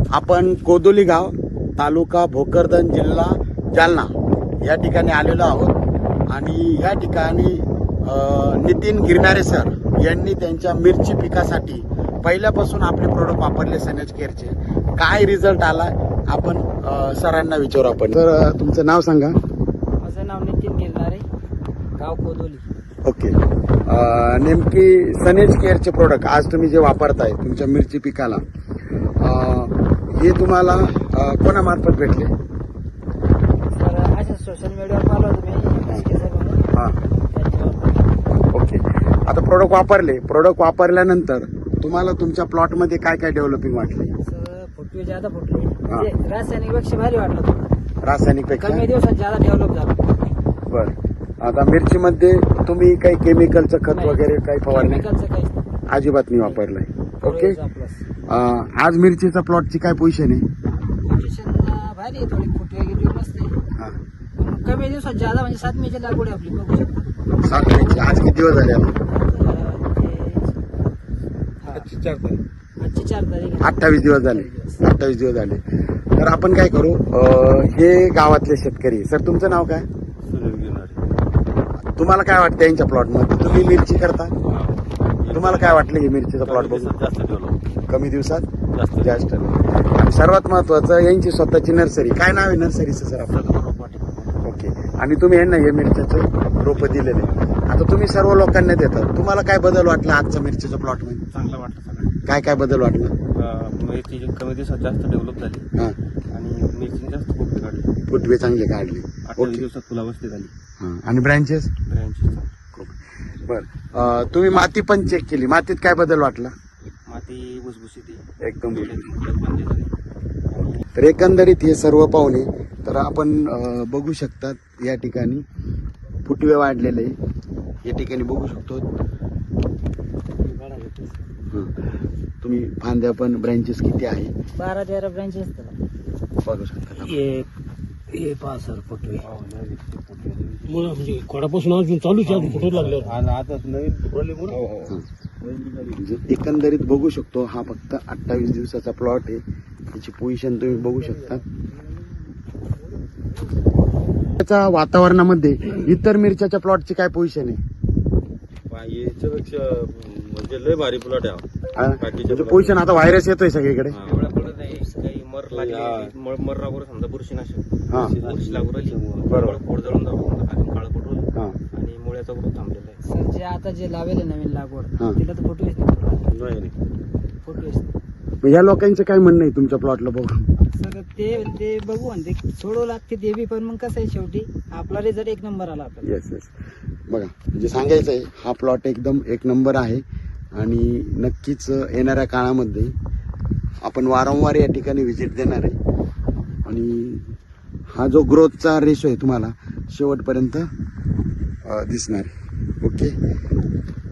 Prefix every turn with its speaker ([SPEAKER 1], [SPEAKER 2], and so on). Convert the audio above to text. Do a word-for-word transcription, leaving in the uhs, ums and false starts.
[SPEAKER 1] आपण कोदोली गाव, तालुका भोकरदन, जिल्हा जालना या ठिकाणी आलेलो आहोत आणि या ठिकाणी नितीन गिरणारे सर यांनी त्यांच्या मिरची पिकासाठी पहिल्यापासून आपले प्रोडक्ट वापरले सनेज केअरचे. काय रिझल्ट आला आपण सरांना विचारू. आपण सर तुमचं नाव सांगा.
[SPEAKER 2] माझं नाव नितीन गिरणारे, गाव कोदोली.
[SPEAKER 1] ओके. नेमकी सनेज केअरचे प्रोडक्ट आज तुम्ही जे वापरताय तुमच्या मिरची पिकाला, हे तुम्हाला कोणामार्फत भेटले?
[SPEAKER 2] सर अशा सोशल मीडियावर पाहिलं तुम्ही.
[SPEAKER 1] हां. ओके. आता प्रोडक्ट वापरले, प्रोडक्ट वापरल्यानंतर तुम्हाला तुमच्या प्लॉटमध्ये काय काय डेव्हलपिंग वाटले?
[SPEAKER 2] सर फुटवे ज्यादा फुटले, म्हणजे रासायनिक पेक्षा भारी वाटलं तुम्हाला.
[SPEAKER 1] रासायनिक पेक्षा
[SPEAKER 2] कमी दिवसात ज्यादा डेव्हलप झालं.
[SPEAKER 1] बर. आता मिरचीमध्ये तुम्ही काही केमिकलचं खत वगैरे काही फवारणी
[SPEAKER 2] केमिकलचं काहीच नाही.
[SPEAKER 1] अजिबात नाही वापरलंय. ओके.
[SPEAKER 2] प्लस
[SPEAKER 1] आज मिरचीचा प्लॉटची काय पोझिशन आहे?
[SPEAKER 2] पोझिशन भारी आहे, थोडी फुटवे गिटवे मस्त आहे.
[SPEAKER 1] हां.
[SPEAKER 2] पण कमी दिवसात ज्यादा, म्हणजे सात मेची लागवड आहे आपली, बघू शकता.
[SPEAKER 1] सात महिन्याची. आज किती दिवस झाले? आपण
[SPEAKER 2] आजची चार तारीख.
[SPEAKER 1] अठ्ठावीस दिवस झाले. अठ्ठावीस दिवस झाले. तर आपण काय करू, अं, हे गावातले शेतकरी. सर तुमचं नाव काय? तुम्हाला काय वाटतं यांच्या प्लॉट मध्ये? तुम्ही मिरची करता, तुम्हाला काय वाटलं हे मिरचीचा प्लॉट बघून? कमी दिवसात जास्त. आणि सर्वात महत्वाचं यांची स्वतःची नर्सरी. काय नाव आहे नर्सरीचं सर आपल्याला? ओके. आणि तुम्ही यांना हे मिरच्याचे रोप दिलेले. आता तुम्ही सर्व लोकांना देतात, तुम्हाला काय बदल वाटला आजचा मिरचीच्या प्लॉट मध्ये?
[SPEAKER 3] चांगला वाटलं सगळं.
[SPEAKER 1] काय काय बदल वाटला?
[SPEAKER 3] मिरची कमी दिवसात जास्त डेव्हलप झाली
[SPEAKER 1] हां.
[SPEAKER 3] आणि मिरची जास्त फुटवे काढली.
[SPEAKER 1] फुटवे चांगले काढले.
[SPEAKER 3] अठ्ठावीस दिवसात फुलावस्थी झाली.
[SPEAKER 1] हां. आणि ब्रँचेस?
[SPEAKER 3] ब्रँचेस
[SPEAKER 1] बर. तुम्ही माती पण चेक केली, मातीत काय बदल वाटला?
[SPEAKER 3] माती भुसभुशीत आहे.
[SPEAKER 1] एकदम.
[SPEAKER 3] बंदी झाली.
[SPEAKER 1] तर एकंदरीत हे सर्व पाहुणे तर आपण अं, बघू शकतात या ठिकाणी फुटवे वाढलेले या ठिकाणी बघू शकतो. हं. तुम्ही फांद्या पण ब्रँचेस किती आहे
[SPEAKER 2] बारा तेरा ब्रँचेस असतात,
[SPEAKER 1] बघू शकता.
[SPEAKER 2] हे पहा सर फुटवे.
[SPEAKER 4] म्हणजे खोडापासून अजून चालूच आहे, फुटू लागल्यावर.
[SPEAKER 3] आणि आता नवीन फुटवले
[SPEAKER 1] हं. म्हणजे एकंदरीत बघू शकतो हा फक्त अठ्ठावीस दिवसाचा प्लॉट आहे. त्याची पोझिशन तुम्ही बघू शकता. त्याच्या वातावरणामध्ये इतर मिरच्याच्या प्लॉटची काय पोझिशन आहे?
[SPEAKER 3] याच्यापेक्षा म्हणजे लय भारी प्लॉट आहे.
[SPEAKER 1] हा? म्हणजे पोझिशन आता व्हायरस येतोय सगळीकडे.
[SPEAKER 3] एवढ्या पडत नाही, काही मर लागली, मर मर लागवर समजा बुरशीनाशक
[SPEAKER 1] हा.
[SPEAKER 3] बुरशी लागू राहिली.
[SPEAKER 1] बरोबर.
[SPEAKER 3] पोट जळून जाऊन काळं पडलं
[SPEAKER 1] हा.
[SPEAKER 3] आणि मुळ्याचा ग्रोथ थांबलेला आहे.
[SPEAKER 2] सर जे आता जे लावेल नवीन लागवड,
[SPEAKER 1] हा.
[SPEAKER 2] तिला तर फुटवेच नाही.
[SPEAKER 3] नाही नाही.
[SPEAKER 2] फुटवेच नाही.
[SPEAKER 1] मग या लोकांचं काय म्हणणं आहे तुमच्या प्लॉटला बघून?
[SPEAKER 2] सर ते ते बघू आणि ते सोडवं लागते ते बी, पण मग कसं आहे शेवटी आपला रिझल्ट एक नंबर आला आपल्याला.
[SPEAKER 1] Yes yes. बघा म्हणजे सांगायचं आहे हा प्लॉट एकदम एक नंबर आहे आणि नक्कीच येणाऱ्या काळामध्ये आपण वारंवार या ठिकाणी व्हिजिट देणार आहे आणि हा जो ग्रोथचा रेशो आहे तुम्हाला शेवटपर्यंत दिसणार आहे. ओके.